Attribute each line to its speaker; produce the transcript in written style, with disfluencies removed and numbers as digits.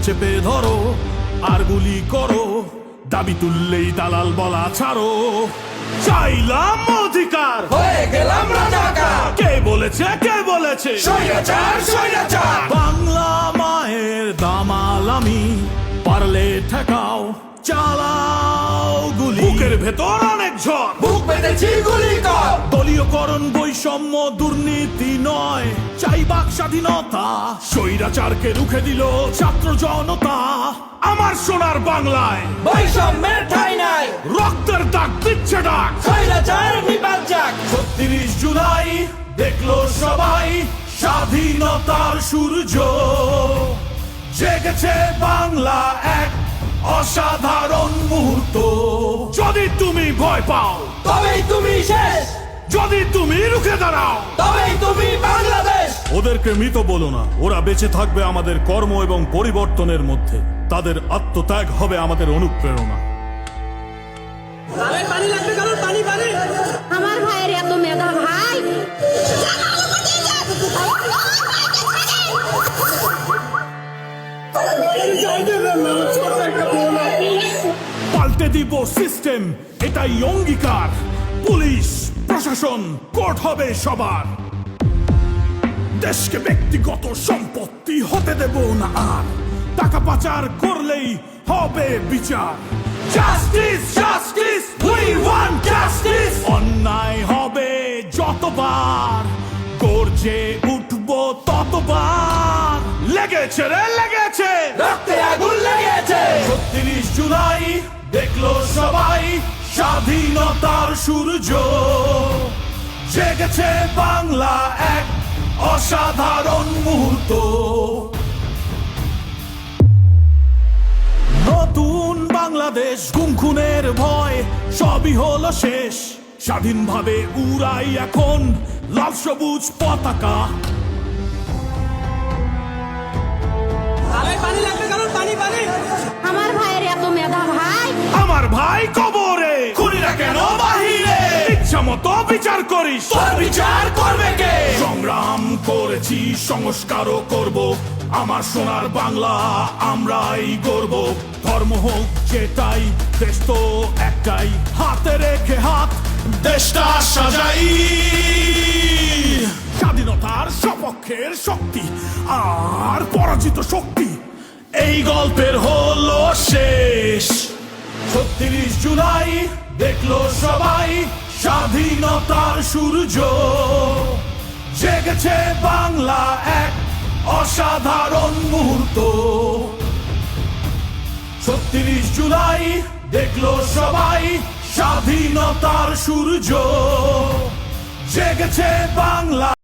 Speaker 1: চেপে ধরো আর গুলি করো, দাবি তুললেই দালাল বলা ছাড়ো। চাইলাম অধিকার,
Speaker 2: হয়ে গেলাম রাজাকার।
Speaker 1: কে বলেছে কে বলেছে
Speaker 2: স্বৈরাচার স্বৈরাচার।
Speaker 1: বাংলা মায়ের দামাল আমি, পারলে ঠেকাও চালাও গুলি। বুকের ভেতর অনেক ঝড়,
Speaker 2: বুক পেতেছি গুলি কর।
Speaker 1: দলীয়করণ বৈষম্য দুর্নীতি নয়, চাই বাক স্বাধীনতা। স্বৈরাচারকে রুখে দিল ছাত্র জনতা। আমার সোনার বাংলায়
Speaker 2: বৈষম্যের ঠাঁই নাই,
Speaker 1: রক্তের দাগ দিচ্ছে ডাক।
Speaker 2: স্বৈরাচার নিপাত যাক।
Speaker 1: ৩৬ জুলাই দেখলো সবাই স্বাধীনতার সূর্য, জেগেছে বাংলা এক অসাধারণ মুহূর্ত। যদি তুমি ভয় পাও,
Speaker 2: তবেই তুমি শেষ,
Speaker 1: যদি তুমি রুখে দাঁড়াও,
Speaker 2: তবেই তুমি বাংলাদেশ।
Speaker 1: ওদেরকে মৃত বলো না, ওরা বেঁচে থাকবে আমাদের কর্ম এবং পরিবর্তনের মধ্যে। তাদের আত্মত্যাগ হবে আমাদের অনুপ্রেরণা।
Speaker 3: আমার ভাইয়ের এত মেধা ভাই,
Speaker 1: পাল্টে দিব সিস্টেম, এটাই অঙ্গীকার। পুলিশ প্রশাসন কোর্ট হবে সবার। দেশকে ব্যক্তিগত সম্পত্তি হতে দেব না আর, টাকা পাচার করলেই হবে বিচার। Justice justice we want justice. অন্যায় হবে যতবার, গর্জে উঠবো ততবার। লেগেছে রে লেগেছে,
Speaker 2: রক্তে আগুন লেগেছে।
Speaker 1: ৩৬ জুলাই দেখলো সবাই স্বাধীনতার সূর্য, জেগেছে বাংলা এক অসাধারণ মুহূর্ত। নতুন বাংলাদেশ, গুমখুনের ভয় সবই হলো শেষ। স্বাধীনভাবে উড়াই এখন লাল সবুজ পতাকা।
Speaker 3: আমার ভাইয়ের এত মেধা ভাই,
Speaker 1: আমার ভাই কবরে, খুনিরা কেন বাহিরে? ইচ্ছা মতো বিচার করিস,
Speaker 2: তোর বিচার করবে কে?
Speaker 1: সংগ্রাম করেছি সংস্কারও করব, আমার সোনার বাংলা আমরাই গর্ব। ধর্ম হোক যেটাই, দেশ তো একটাই, হাতে রেখে হাত দেশটা সাজাই। স্বাধীনতার সপক্ষের শক্তি আর পরাজিত শক্তি, এই গল্পের হলো শেষ। ৩৬ জুলাই দেখলো সবাই স্বাধীনতার সূর্য, জেগেছে বাংলা এক অসাধারণ মুহূর্ত। ৩৬ জুলাই দেখলো সবাই স্বাধীনতার সূর্য, জেগেছে বাংলা।